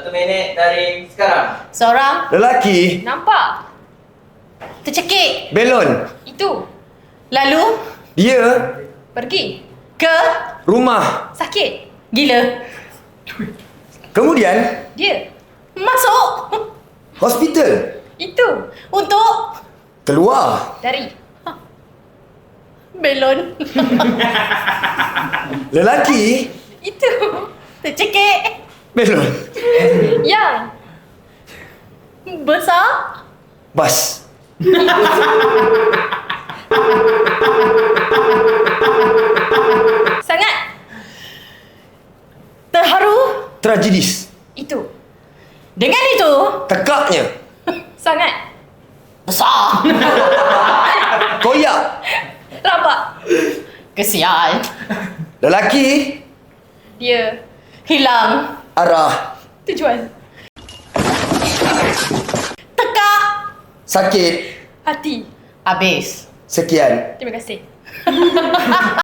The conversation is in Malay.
1 minit dari sekarang. Seorang Lelaki. Nampak? tercekik. Belon. Itu. Lalu Dia. Pergi. ke Rumah. Sakit. gila. Kemudian. Dia. Masuk Hospital. Itu. untuk Keluar. Dari. belon. Lelaki. Itu. Tercekik. Belon. Yang. Besar. Bas. Sangat. Terharu. Tragedis. Itu. Dengan itu Tekaknya. Sangat. besar. Koyak. Rabak. Kesian. Lelaki. Dia. Hilang. Arah. Tujuan. Tekak. Sakit. Hati. Habis. Sekian. Terima kasih.